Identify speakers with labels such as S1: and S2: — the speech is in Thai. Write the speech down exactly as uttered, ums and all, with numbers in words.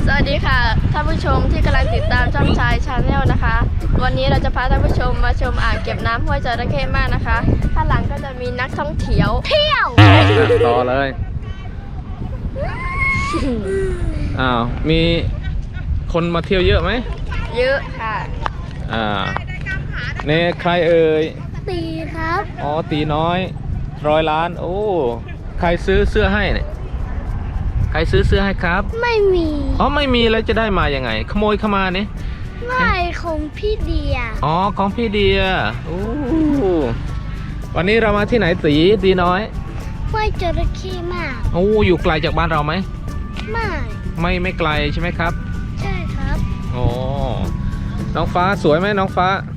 S1: สวัสดีค่ะท่านผู้ชมที่กำลังติดตามช่องชายชาแนลนะคะ วันนี้เราจะพาท่านผู้ชมมาชมอ่างเก็บน้ำห้วยจระเข้มากนะคะข้างหลังก็จะมีนักท่องเที่ยวเที่ยว
S2: ต่อเลยอ้าวมีคนมาเที่ยวเยอะไหม
S1: เยอะค่ะ
S2: อ่าเนี่ยใครเอ่ย
S1: ตีครับ
S2: อ๋อตีน้อยร้อยล้านโอ้ใครซื้อเสื้อให้เนี่ยใครซื้อเสื้อให้ครับ
S1: ไม่มี
S2: อ๋อไม่มีแล้วจะได้มายังไงขโมยเข้ามาเนี่ย
S1: ไม่ของพี่เดีย
S2: อ๋อของพี่เดียโอ้วันนี้เรามาที่ไหนตีดีน้อย
S1: ห้วยจระเข้มาก
S2: โอ้อยู่ไกลจากบ้านเราไหม
S1: ไม่
S2: ไม่ไม่ไกลใช่ไหมครับ
S1: ใช่ครับ
S2: โอ้น้องฟ้าสวยไหมน้องฟ้า